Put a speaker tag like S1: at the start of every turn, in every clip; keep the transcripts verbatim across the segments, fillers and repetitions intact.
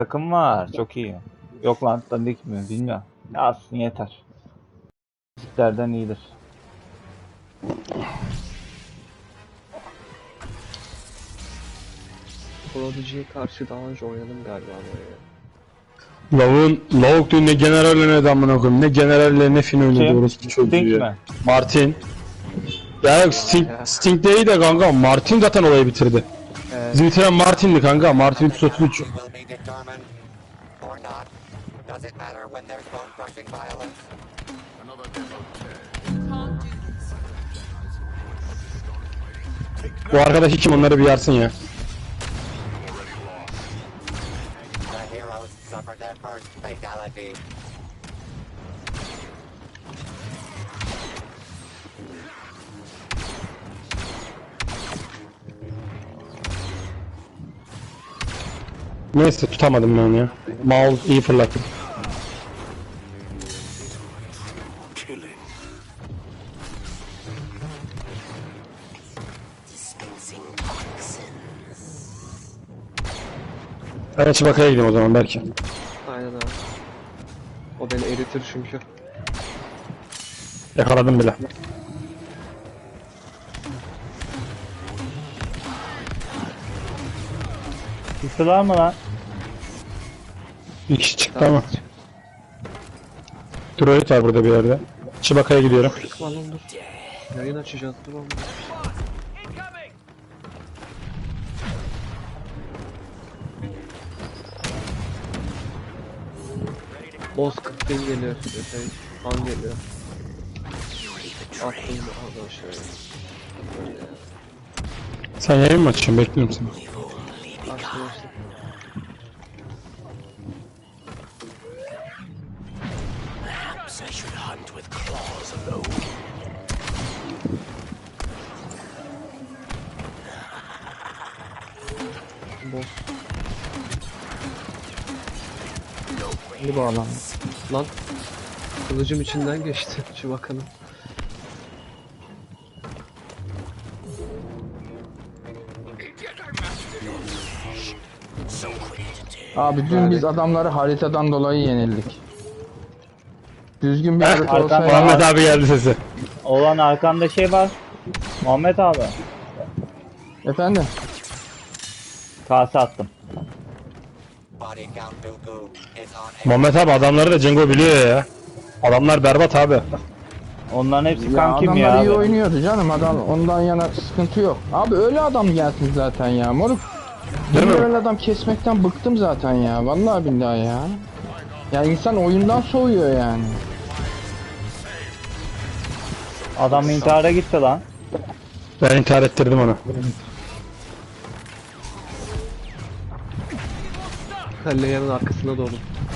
S1: Takım var. Çok iyi. Yok lan dandik mi bilmiyorum. Yazsın yeter. Bizlerden iyidir.
S2: Prodigy'ye karşı daha önce oynadım galiba böyle.
S3: Lavun, lavuk diyor ne generalle ne damına koyayım. Ne generalle ne fin oynadı
S1: Kim?
S3: orası çocuğu
S1: Sting
S3: ya.
S1: mi?
S3: Martin. Ya yok Sting, Sting değil de kanka Martin zaten olayı bitirdi.
S2: Evet.
S3: Bizi bitiren Martin'di kanka. Martin üç yüz otuz üç. Bu arkadaş kim onları bir yarsın ya. Neyse tutamadım ben ya. Maul iyi fırlattı. Ben Çibaka'ya gideyim o zaman belki.
S2: Aynen abi. O beni eritir çünkü.
S3: Yakaladım bile.
S1: Kısılar mı lan?
S3: Bir kişi çıktı ama. Droid var burada bir yerde. Çibaka'ya gidiyorum.
S2: Lan oğlum dur. Yayın açacağız dur oğlum. Boss kırk bin geliyor. Şey, an geliyor. Attım da oradan şöyle. Böyle.
S3: Sen yayın mı açıyorsun? Bekliyorum seni.
S2: Açtım açtım. Boss.
S1: Bir bağlan.
S2: Lan. Kılıcım içinden geçti şu bakalım.
S4: Abi dün biz adamları haritadan dolayı yenildik. Düzgün bir harita
S1: Arkan-
S4: olsaydı...
S3: Muhammed abi geldi sesi.
S1: Olan arkamda şey var. Muhammed abi.
S4: Efendim?
S1: Kase attım.
S3: Muhammed abi adamları da Cengo biliyor ya. Adamlar berbat abi.
S1: Onların hepsi
S4: Ya
S1: kankim
S4: adamlar
S1: ya
S4: iyi
S1: abi.
S4: oynuyordu canım, adam ondan yana sıkıntı yok. Abi öyle adam gelsin zaten ya moruk.
S3: Değil
S4: Ben
S3: mi?
S4: öyle adam kesmekten bıktım zaten ya, vallahi billahi ya. Ya insan oyundan soğuyor yani.
S1: Adam intihara gitti lan.
S3: Ben intihar ettirdim onu.
S2: Kalleyenin arkasına doğru.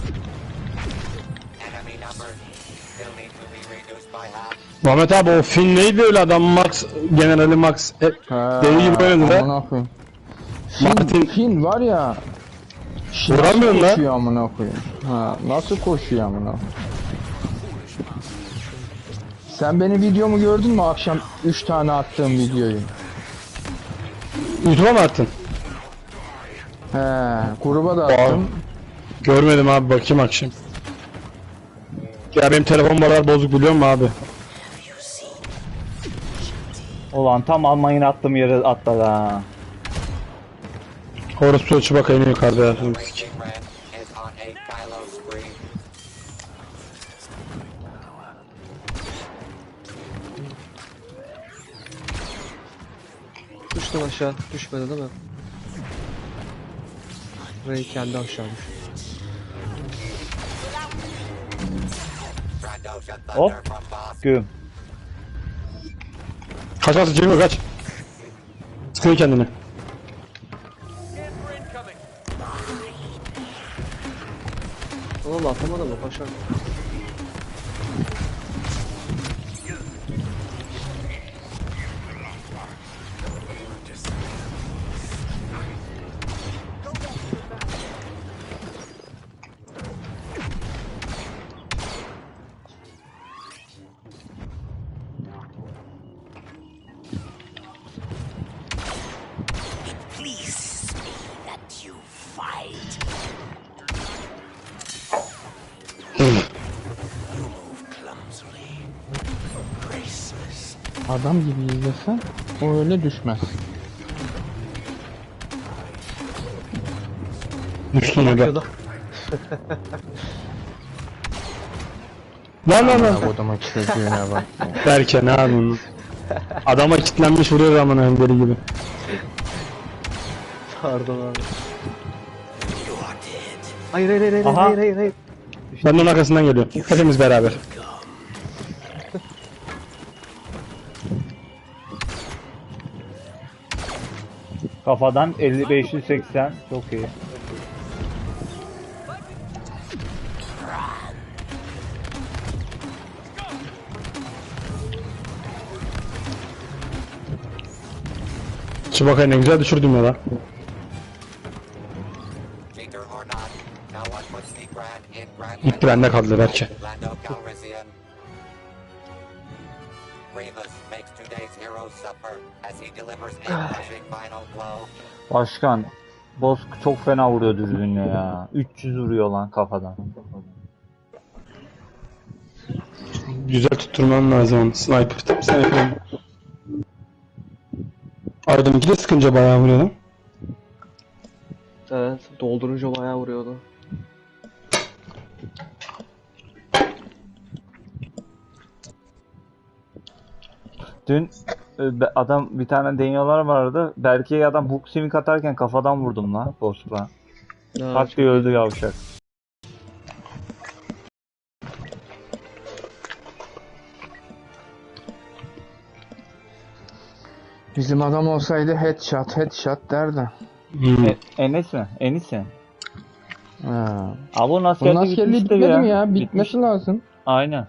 S3: Muhammed abi o Finn neydi öyle adam Max, Generali Max. E,
S4: Ha,
S3: deli gibi oynadı da.
S4: amına koyayım.
S3: Martin-
S4: Fin, Fin var ya. Şi-
S3: Vuramıyorsun
S4: nasıl
S3: lan.
S4: koşuyor amına koyayım. Ha, nasıl koşuyor amına koyayım. Sen benim videomu gördün mü akşam üç tane attığım videoyu?
S3: YouTube'a mı attın?
S4: He, gruba da attım.
S3: Görmedim abi bakayım akşam. Ya benim telefon barar bozuk biliyor musun abi?
S1: Ulan tam Almanya'nın attığım yere atladı ha.
S3: Orası Çibaka yine yukarıda ya.
S2: Düştüm aşağı. Düşmedi değil mi? Ray kendi aşağı düştü.
S1: Hop. Güm.
S3: Kaç kaç Cengo kaç. Sıkıyor kendini.
S2: Oğlum atamadı mı paşa?
S4: Adam gibi izlesen o öyle düşmez.
S3: Düştüm ya da.
S2: Bakıyordu.
S3: Lan lan lan.
S4: Amına kodumun çocuğuna bak.
S3: Derken ne yapıyorsun? Adama kilitlenmiş vuruyor aman hem deli gibi.
S2: Pardon abi. Hayır hayır hayır hayır
S1: Aha.
S2: hayır hayır hayır.
S3: Ben de onun arkasından geliyorum. Hepimiz beraber.
S1: Kafadan elli beş yüz seksen çok iyi.
S3: Çubakayı ne güzel düşürdüm ya lan.
S5: Leader or not, no one puts the Grand in Grand
S3: Gitti bende kaldı belki.
S5: Land of Calrissian. Grievous makes today's hero suffer as he delivers a crushing final blow.
S1: Başkan, boss çok fena vuruyor düzgünle ya. üç yüz vuruyor lan kafadan.
S3: Güzel tutturman lazım onu. Sniper tip sniper. Aydın iki de sıkınca bayağı vuruyor lan.
S2: Evet, doldurunca bayağı vuruyordu.
S1: Dün e, be- adam bir tane deniyorlar vardı. Berke'ye adam hook simik atarken kafadan vurdum lan boss'la.
S2: Ya,
S1: Pat diye öldü yavşak.
S4: Bizim adam olsaydı headshot headshot derdi.
S3: Hmm.
S1: E, Enes mi? Enis mi?
S4: Ha.
S1: Abi onun
S4: Bunun
S1: askerliği
S4: askerliği
S1: bitmiştir
S4: bitmedi
S1: ya.
S4: mi ya?
S1: Bitmiş.
S4: Bitmesi lazım.
S1: Aynen.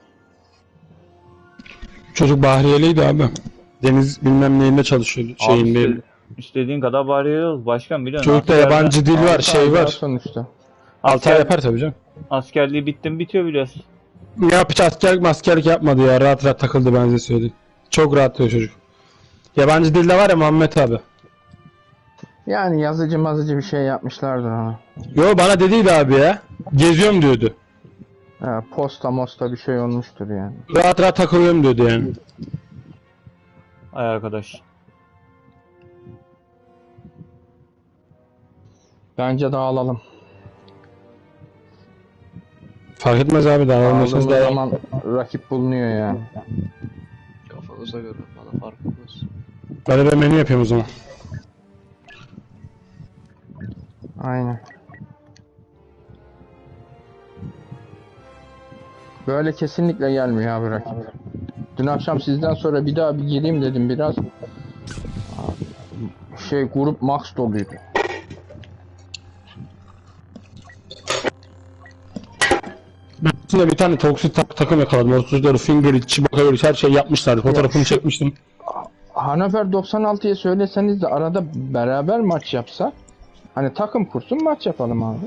S3: Çocuk Bahriyeliydi abi. Deniz bilmem neyinde çalışıyordu.
S1: Abi
S3: Şeyinde.
S1: iste- istediğin kadar bağırıyoruz. Başkan biliyorsun.
S3: Çocukta
S1: askerde-
S3: yabancı dil var, şey
S4: Daha
S3: var.
S4: sonuçta.
S3: Altı ay
S1: asker-
S3: yapar tabii canım.
S1: Askerliği bittim bitiyor biliyorsun.
S3: Ne yapış askerlik maskerlik yapmadı ya. Rahat rahat takıldı ben size söyleyeyim. Çok rahat diyor çocuk. Yabancı dilde var ya Muhammed abi.
S4: Yani yazıcı mazıcı bir şey yapmışlardır ona.
S3: Yo bana dediydi abi ya. Geziyorum diyordu.
S4: Ha, posta mosta bir şey olmuştur yani.
S3: Rahat rahat takılıyorum diyordu yani.
S1: Ay arkadaş.
S4: Bence dağılalım.
S3: Fark etmez abi daha olmasanız
S4: Dağıldığımız
S3: daha.
S4: zaman rakip bulunuyor yani.
S2: kafanıza göre bana fark etmez.
S3: Ben de menü yapıyorum o zaman.
S4: Aynen. Böyle kesinlikle gelmiyor abi rakip. Dün akşam sizden sonra bir daha bir gireyim dedim biraz. Şey grup max doluydu.
S3: Ben aslında bir tane toksit tak takım yakaladım. otuz dört finger it, Chewbacca it, her şey yapmışlardı. Fotoğrafını
S4: şu-
S3: çekmiştim.
S4: Hanover doksan altıya söyleseniz de arada beraber maç yapsa. Hani takım kursun maç yapalım abi.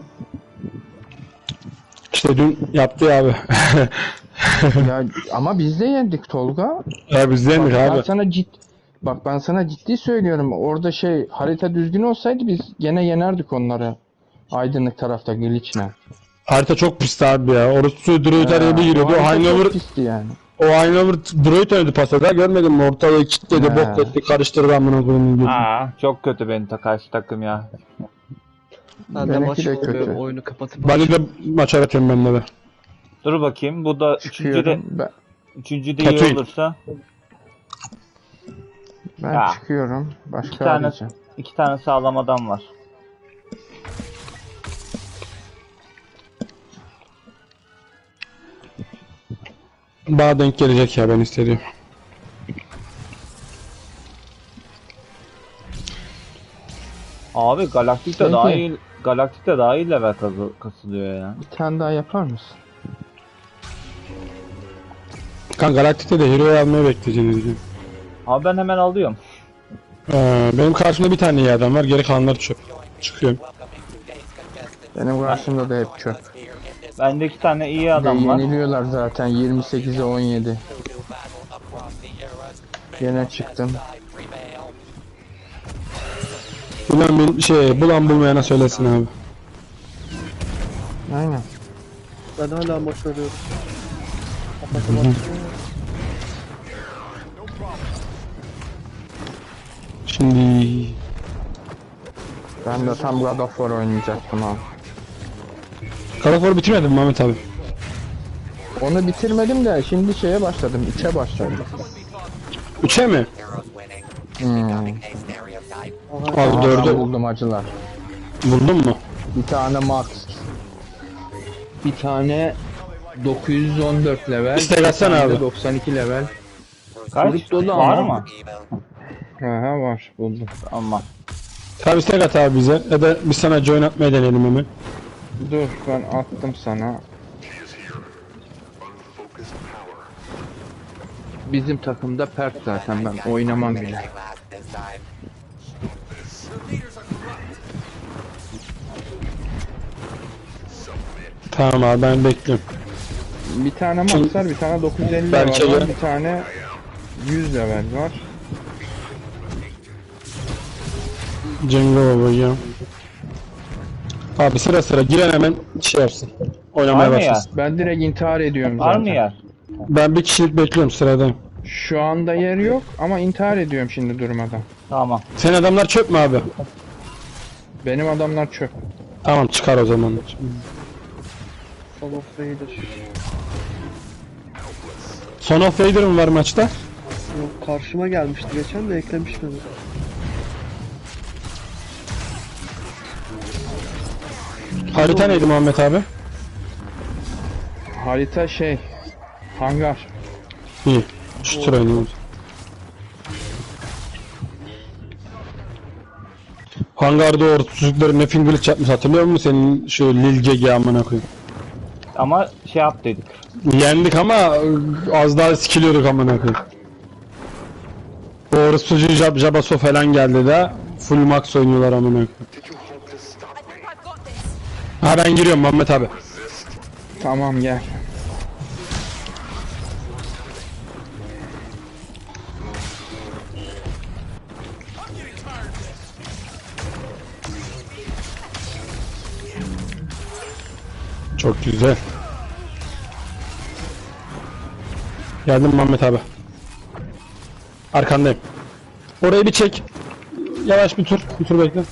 S3: İşte dün yaptı ya abi.
S4: Ya ama biz de yendik Tolga.
S3: ya biz
S4: Bak,
S3: yendik
S4: ben
S3: abi.
S4: sana cid Bak ben sana ciddi söylüyorum. Orada şey harita düzgün olsaydı biz gene yenerdik onları. Aydınlık tarafta glitch'le.
S3: Harita çok pisti abi ya. Orası droid araya bir giriyordu. O
S4: harita
S3: Hanover,
S4: çok pisti yani.
S3: o Hanover droid oynadı pasada. Görmedin mi? Ortalığı kilitledi,
S4: He.
S3: bok etti, karıştırdı amına koyayım gibi.
S1: Aa, çok kötü benim ta karşı takım ya.
S2: Ben de
S4: Benimki
S2: maç
S4: de
S2: oluyor,
S4: kötü.
S2: oyunu kapatıp
S3: Ben de maça atıyorum ben de.
S1: Dur bakayım. Bu da üçüncü de
S4: Çıkıyorum. Ben,
S1: üçüncü de iyi
S3: Tatooine.
S1: olursa
S4: ben
S1: Ya.
S4: çıkıyorum. Başka
S1: iki tane
S4: arayacağım.
S1: iki tane sağlam adam var.
S3: Bana denk gelecek ya ben istediğim.
S1: Abi Galaktik'te
S4: Peki.
S1: daha iyi Galaktik'te daha iyi level kazı- kasılıyor ya.
S4: Bir tane daha yapar mısın?
S3: Kan Galaktik'te de hero almayı bekleyeceğiniz gibi.
S1: Abi ben hemen alıyorum.
S3: Ee, benim karşımda bir tane iyi adam var. Geri kalanlar çöp. Çıkıyorum.
S4: Benim karşımda da hep çöp.
S1: Bende iki tane iyi
S4: Ve
S1: adam var.
S4: yeniliyorlar zaten yirmi sekize on yedi. Gene çıktım.
S3: Bulan bir şey, bulan bulmayana söylesin abi.
S4: Aynen.
S2: ben hala maç arıyorum.
S3: şimdi.
S4: Ben de tam God of War oynayacaktım abi.
S3: God of War'u bitirmedin mi Ahmet abi?
S4: Onu bitirmedim de şimdi şeye başladım. üçe başladım.
S3: Üçe mi?
S5: Heroes winning.
S4: Hmm.
S5: Becoming a stereotype.
S3: Abi
S4: Ben
S3: dördü
S4: buldum acılar.
S3: buldun mu?
S4: Bir tane Max. Bir tane dokuz yüz on dört level.
S3: İstek
S4: bir
S3: atsana
S4: tane de
S3: abi.
S4: doksan iki level.
S1: Kaç?
S4: Grup dolu
S1: Var
S4: ama.
S1: mı?
S5: Evil.
S4: Aha var buldum.
S1: Ama.
S3: Tabi istek at abi bize. Ya da biz sana join atmaya deneyelim hemen.
S4: Dur ben attım sana. Bizim takımda pert zaten ben oynamam bile.
S5: They last this time.
S3: Tamam abi ben bekliyorum.
S4: Bir tane Max var, bir tane dokuz yüz elli
S3: Belki
S4: level var,
S3: de-
S4: bir tane yüz level var.
S3: Cengo baba ya. Abi sıra sıra giren hemen şey yapsın.
S1: Var
S3: Oynamaya
S1: mı ya?
S3: başlasın.
S4: Ben direkt intihar ediyorum
S1: Var
S4: zaten.
S1: mı yer?
S3: Ben bir kişilik bekliyorum sıradayım.
S4: Şu anda yer yok ama intihar ediyorum şimdi durmadan.
S1: Tamam.
S3: Senin adamlar çöp mü abi?
S4: Benim adamlar çöp.
S3: Tamam çıkar o zaman.
S2: Son of Raider.
S3: Son of Vader mı var maçta?
S2: Yok, karşıma gelmişti geçen de eklemiştim.
S3: Harita neydi Muhammed abi?
S4: Harita şey, hangar.
S3: İyi. Şu tur oynayalım. Hangarda o çocukların ne fingerlik yapmış hatırlıyor musun senin şu Lil G G amına koyayım.
S1: Ama şey yap dedik.
S3: Yendik ama az daha sikiliyorduk amına koyayım. O orospucu Jab Jabaso falan geldi de full max oynuyorlar amına koyayım. Ha ben giriyorum Muhammed abi.
S4: Tamam gel.
S3: Çok güzel. Geldim Muhammed abi. Arkandayım. Orayı bir çek. Yavaş bir tur. Bir tur bekle.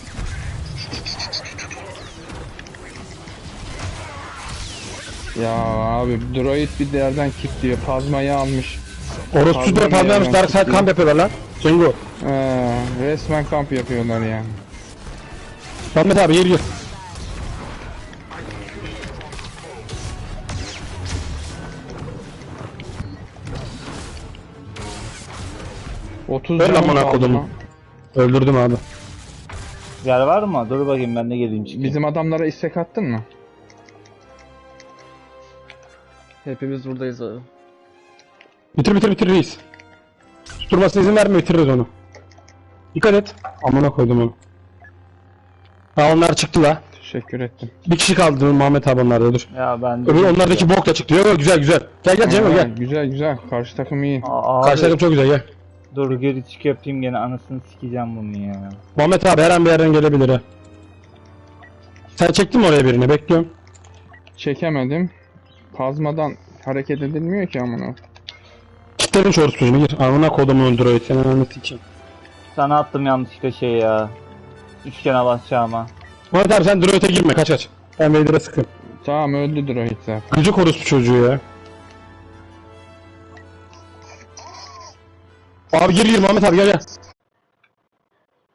S4: Ya abi droid bir yerden kilitliyor. Pazmayı almış.
S3: Orospu da
S4: Pardon
S3: pazarmış.
S4: ya,
S3: Dark Side
S4: ben-
S3: kamp yapıyorlar lan. Cengo.
S4: Ee, resmen kamp yapıyorlar ya.
S3: Muhammed abi gir gir.
S4: otuz
S3: Ver
S4: canım
S3: amına
S4: kaldı
S3: kodumu.
S4: lan.
S3: Öldürdüm abi.
S1: Yer var mı? Dur bakayım ben de geleyim çıkayım.
S4: Bizim adamlara istek attın mı?
S2: Hepimiz buradayız abi.
S3: Bitir bitir bitir reis. Tutturmasına izin verme bitiririz onu. Dikkat et. Amına koydum onu. Ha onlar çıktı la.
S4: Teşekkür ettim.
S3: Bir kişi kaldı Muhammed abi onlarda dur.
S1: Ya ben...
S3: Öbür onlardaki bok da çıktı. Yok yok güzel güzel. Gel gel Cemil
S4: Aa,
S3: gel.
S4: Güzel güzel. Karşı takım iyi.
S1: Aa, abi,
S3: Karşı takım çok güzel gel.
S1: dur geri çık yapayım gene anasını sikeceğim bunu ya.
S3: Muhammed abi her an bir yerden gelebilir ha. Sen çektin mi oraya birini? Bekliyorum.
S4: Çekemedim. Kazmadan hareket edilmiyor ki amına.
S3: Kitlerin çorsuzunu gir. Amına kodumu öldür o senin anlatı için.
S1: Sana attım yanlışlıkla şey ya. Üçgene basacağıma.
S3: Muhammed abi sen droid'e girme kaç kaç. Ben Vader'a sıkın.
S4: Tamam öldü droid zaten.
S3: Gıcık orospu çocuğu ya. Abi gir gir Muhammed abi gel gel.